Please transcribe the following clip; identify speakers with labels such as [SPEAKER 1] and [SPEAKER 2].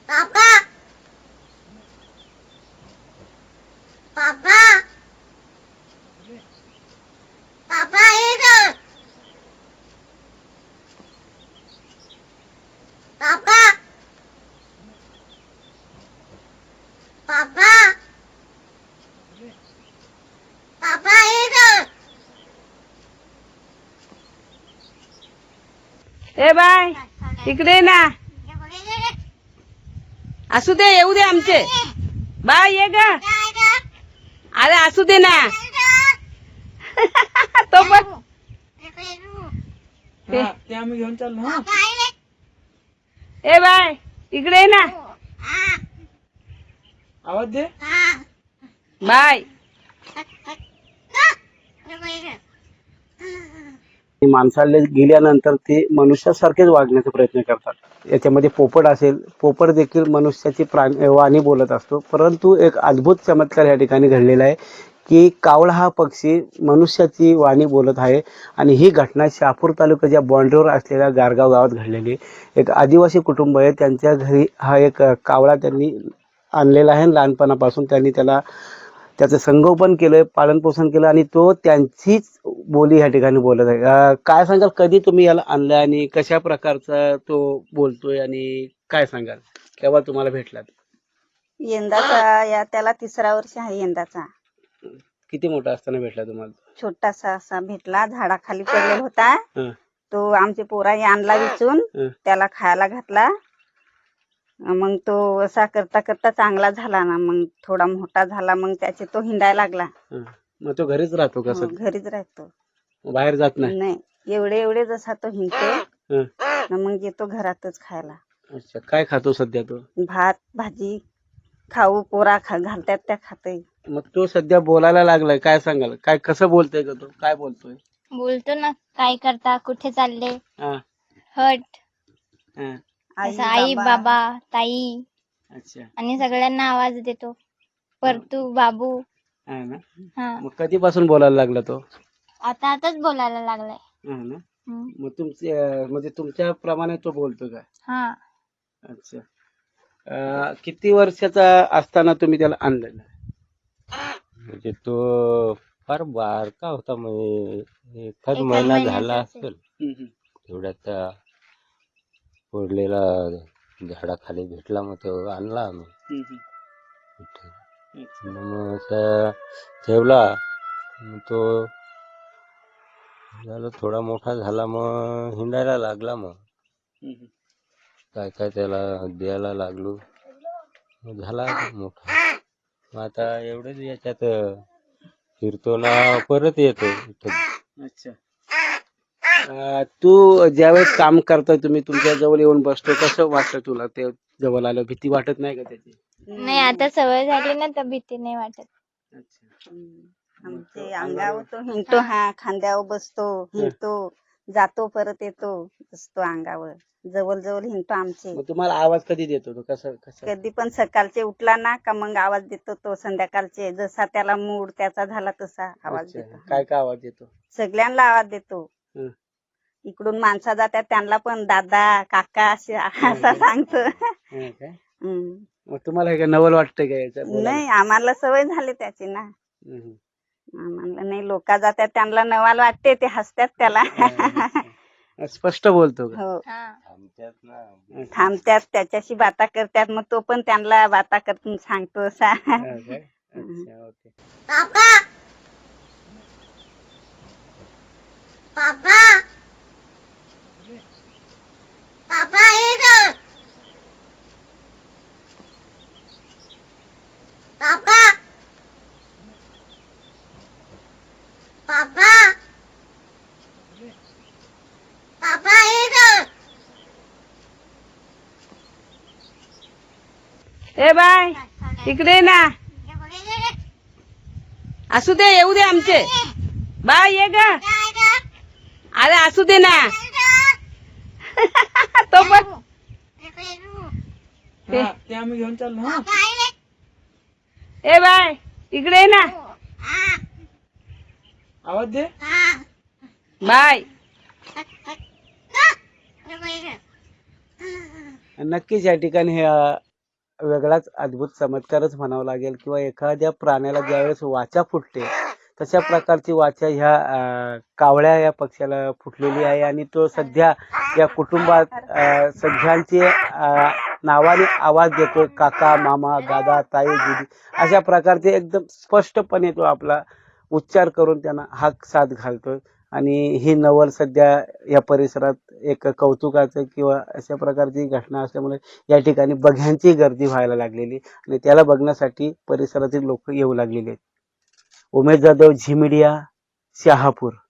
[SPEAKER 1] पापा पापा पापा इधर पापा पापा पापा इधर
[SPEAKER 2] ए बाय इकडे ये ना. असू दे येऊ दे आमचे. बाय ये ग. अरे असू दे ना. तो पण
[SPEAKER 3] ते आम्ही घेऊन चाललो हा.
[SPEAKER 2] ए बाय इकडे ये ना.
[SPEAKER 3] आवाज दे.
[SPEAKER 2] बाय.
[SPEAKER 4] माणसाला गेल्यानंतर ते मनुष्यासारखेच वागण्याचा प्रयत्न करतात. याच्यामध्ये पोपट असेल, पोपट देखील मनुष्याची वाणी बोलत असतो. परंतु एक अद्भुत चमत्कार या ठिकाणी घडलेला आहे की कावळा हा पक्षी मनुष्याची वाणी बोलत आहे. आणि ही घटना शहापूर तालुक्याच्या बॉन्ड्रीवर असलेल्या गारगाव गावात घडलेली. एक आदिवासी कुटुंब आहे, त्यांच्या घरी हा एक कावळा त्यांनी आणलेला आहे. लहानपणापासून त्यांनी त्याचं संगोपन केलंय, पालनपोषण केलं आणि तो त्यांचीच बोली या ठिकाणी बोलत आहे. काय सांगाल, कधी तुम्ही याला आणलं आणि कशा प्रकारचा तो बोलतोय आणि काय सांगाल, केव्हा तुम्हाला भेटला?
[SPEAKER 5] यंदाचा त्याला 3रा वर्ष आहे यंदाचा.
[SPEAKER 4] किती मोठा असताना भेटला तुम्हाला?
[SPEAKER 5] छोटासा असा भेटला, झाडाखाली पडलेला होता.
[SPEAKER 4] हं,
[SPEAKER 5] तो आमचे पोराने आणला विचून,
[SPEAKER 4] हं.
[SPEAKER 5] त्याला खायला घातला. मग तो असा करता करता चांगला झाला ना, मग थोडा मोठा झाला, मग त्याचे तो हिंडायला लागला.
[SPEAKER 4] हं. मग तो घरीच राहतो का?
[SPEAKER 5] हो, घरीच राहतो,
[SPEAKER 4] बाहेर जात नाही?
[SPEAKER 5] नाही. एवढे जसा तो हिंडतो
[SPEAKER 4] हं.
[SPEAKER 5] ना, मग येतो घरातच खायला.
[SPEAKER 4] अच्छा, काय खातो सध्या तो?
[SPEAKER 5] भात भाजी खाऊ पोरा घालतात त्या खाते.
[SPEAKER 4] मग तो सध्या बोलायला लागलाय, काय सांगाल? काय कसं बोलतोय का तो? काय बोलतोय?
[SPEAKER 1] बोलतो ना, काय करता, कुठे चालले,
[SPEAKER 4] हा,
[SPEAKER 1] हट,
[SPEAKER 4] हा.
[SPEAKER 1] असं आई बाबा ताई
[SPEAKER 4] अच्छा,
[SPEAKER 1] आणि सगळ्यांना आवाज देतो. परतू बाबू.
[SPEAKER 4] हा ना.
[SPEAKER 1] हा,
[SPEAKER 4] मग कधीपासून बोलायला लागला तो?
[SPEAKER 1] आताच बोलायला लागलाय.
[SPEAKER 4] हा ना.
[SPEAKER 1] हम्म.
[SPEAKER 4] मग म्हणजे तुमच्या प्रमाणे तो बोलतो का?
[SPEAKER 1] हा,
[SPEAKER 4] अच्छा. किती वर्षाचा असताना तुम्ही त्याला आणलेलं?
[SPEAKER 6] म्हणजे तो फार बारका होता, म्हणजे एखाद
[SPEAKER 1] एखाद
[SPEAKER 6] महिना
[SPEAKER 1] महिन्याचा
[SPEAKER 6] झाला
[SPEAKER 1] असेल.
[SPEAKER 6] असेल. तेवढ्यात पडलेला झाडाखाली भेटला, मग तो आणला आम्ही इथं. मग असा ठेवला, मग तो झाला थोडा मोठा झाला, मग हिंडायला लागला. मग काय काय त्याला द्यायला लागलो, मग झाला मोठा. मग आता एवढंच याच्यात फिरतो ना, परत येतो इथं.
[SPEAKER 4] अच्छा. तू ज्यावेळेस काम करतोय, तुम्ही तुमच्या जवळ येऊन बसतो, कसं वाटतं तुला? ते जवळ आलं भीती वाटत नाही का त्याची?
[SPEAKER 1] नाही आता सवय झाली ना, तर भीती नाही वाटत.
[SPEAKER 4] अच्छा.
[SPEAKER 5] आमचे अंगावर तो हिंडतो, हा खांद्यावर बसतो, हिंडतो, जातो परत येतो, बसतो अंगावर, जवळ जवळ हिंडतो आमचे.
[SPEAKER 4] मग तुम्हाला आवाज कधी देतो तो? कसं?
[SPEAKER 5] कधी पण सकाळचे उठला ना का मग आवाज देतो तो. संध्याकाळचे जसा त्याला मूड त्याचा झाला तसा आवाज
[SPEAKER 4] अच्छा.
[SPEAKER 5] देतो.
[SPEAKER 4] काय काय आवाज देतो?
[SPEAKER 5] सगळ्यांना आवाज देतो.
[SPEAKER 4] हं.
[SPEAKER 5] इकडून माणसा जातात त्यांना पण दादा काका असे असा सांगतो.
[SPEAKER 4] हं काय?
[SPEAKER 5] हम्म.
[SPEAKER 4] मग तुम्हाला हे काय नवल वाटतंय का याचं बोलायला?
[SPEAKER 5] नाही, आम्हाला सवय झाली त्याची ना.
[SPEAKER 4] हं.
[SPEAKER 5] आम्हाला नाही, लोक जातात त्यांना नवाल वाटते, ते हसतात त्याला.
[SPEAKER 4] अच्छा. स्पष्ट बोलतो का?
[SPEAKER 5] हो,
[SPEAKER 1] हा,
[SPEAKER 6] आमच्यात ना
[SPEAKER 5] थांबतात त्याच्याशी बाता करतात, मग तो पण त्यांना बाता करतून सांगतो असा.
[SPEAKER 4] हा काय? अच्छा, ओके.
[SPEAKER 1] पापा पापा पापा इधर पापा पापा पापा इधर
[SPEAKER 2] ए बाय इकडे ये ना. असू दे येऊ दे आमचे. बाय ये ग. अरे असू दे ना. तो पण
[SPEAKER 3] हा, ते आम्ही घेऊन चाललो हा.
[SPEAKER 2] ए बाय इकडे ये ना.
[SPEAKER 3] आवाज दे.
[SPEAKER 2] बाय.
[SPEAKER 4] नक्कीच या ठिकाणी वेगळाच अद्भुत चमत्कारच म्हणावा लागेल किंवा एखाद्या प्राण्याला ज्यावेळेस वाचा फुटते तशा प्रकारची वाचा ह्या कावळ्या या पक्ष्याला फुटलेली आहे आणि तो सध्या या कुटुंबात सगळ्यांची नावाने आवाज देतो. काका, मामा, दादा, ताई, दीदी अशा प्रकारचे एकदम स्पष्टपणे तो आपला उच्चार करून त्यांना हाक साथ घालतो. आणि ही नवल सध्या या परिसरात एक कौतुकाचं किंवा अशा प्रकारची घटना असल्यामुळे या ठिकाणी बघ्यांची गर्दी व्हायला लागलेली आणि त्याला बघण्यासाठी परिसरातील लोक येऊ लागलेले आहेत. उमेश जाधव, झी मीडिया, शहापूर.